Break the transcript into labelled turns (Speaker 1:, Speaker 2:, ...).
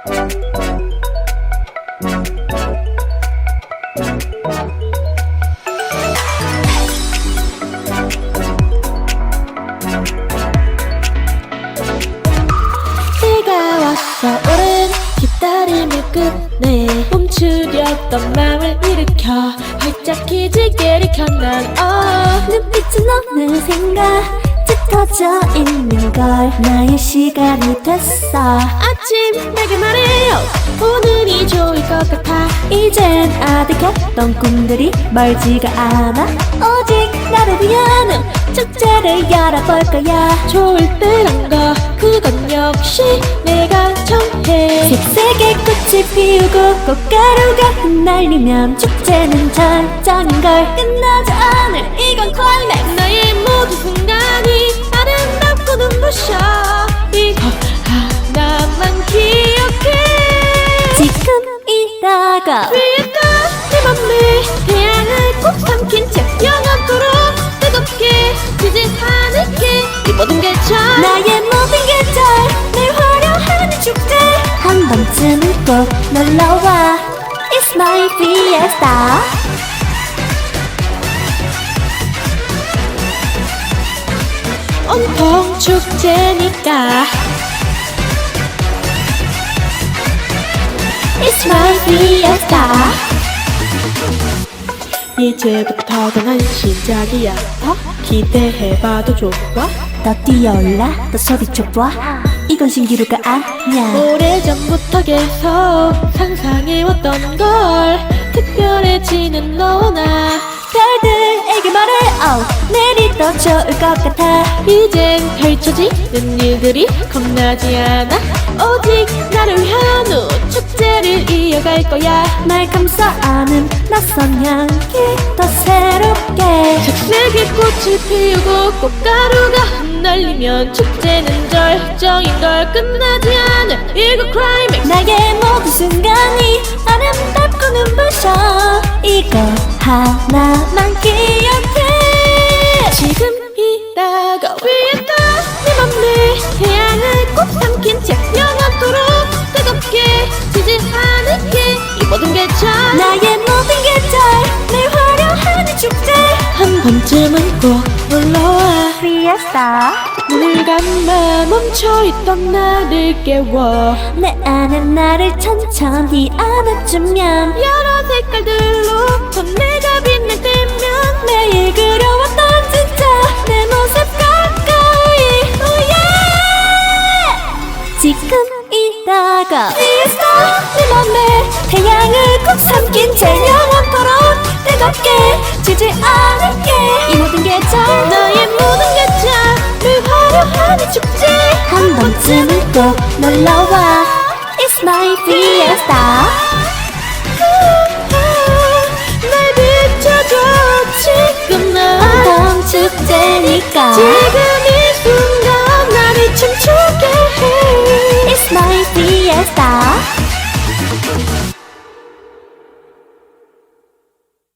Speaker 1: 비가 왔어 오랜 기다림을 끝내 멈추려던 마음을 일으켜 활짝 기지개를 켠난
Speaker 2: 눈빛은 어느샌가 짙어져 있는걸 나의 시간이 됐어
Speaker 1: 아침 내게 말해요 오늘이 좋을 것 같아
Speaker 2: 이젠 아득했던 꿈들이 멀지가 않아 오직 나를 위한 축제를 열어볼 거야
Speaker 1: 좋을 때란 거 그건 역시 내가 정해
Speaker 2: 색색의 꽃이 피우고 꽃가루가 흩날리면 축제는 절정인걸
Speaker 1: 끝나지 않을 이건 클라이맥스 나의 모든 순간이 아름답고 눈부셔 이거 하나만 기억해
Speaker 2: 지금이라고
Speaker 1: 위에다 내 맘에 태양을 꼭 삼킨 채 영원토록 뜨겁게 지지 않을게 이 모든 게 잘
Speaker 2: 나의 모든 계절 늘 화려한 이 축제 한 번쯤은 꼭 놀러와 It's my fiesta
Speaker 1: 온통 축제니까
Speaker 2: It's my fiesta
Speaker 1: 이제부터가 난 시작이야 더 기대해봐도 좋아
Speaker 2: 더 뛰어올라 더 소리쳐봐 이건 신기루가 아니야
Speaker 1: 오래전부터 계속 상상해왔던 걸 특별해지는 너와 나
Speaker 2: 별들에게 말해 내일이 더 좋을 것 같아
Speaker 1: 이젠 펼쳐지는 일들이 겁나지 않아 오직 나를 위한 후 축제를 이어갈 거야
Speaker 2: 날 감싸안은 낯선 향기 더 새롭게
Speaker 1: 색색의 꽃을 피우고 꽃가루가 흩날리면 축제는 절정인걸 끝나지 않을 이거 클라이맥스
Speaker 2: 나의 모든 순간이 아름답고 눈부셔 이거 하나만 기억해
Speaker 1: 지금이라고 위에다 내 맘에 태양을 꼭 삼킨 채 영원토록 뜨겁게 지지 않을게 이 모든 게 잘
Speaker 2: 나의 모든 계절 늘 화려한 이 축제
Speaker 1: 한 번쯤은 꼭 놀러와
Speaker 2: Fiesta
Speaker 1: 눈을 감아 멈춰있던 나를 깨워
Speaker 2: 내 안에 나를 천천히 안아주면
Speaker 1: 여러 색깔들로 더 내가 빛날 때면
Speaker 2: 매일 그려왔던 진짜 내 모습 가까이 oh yeah 지금이라고 Fiesta 내 맘에 태양을 꼭 삼킨 채 영원토록 뜨겁게 지지 않을게 이 모든 계절
Speaker 1: 나의 모든 계절을 화려한 이 축제
Speaker 2: 한 번쯤은 꼭 놀러와 It's my fiesta
Speaker 1: 날 비춰줘 지금 난
Speaker 2: 온통 축제니까
Speaker 1: 지금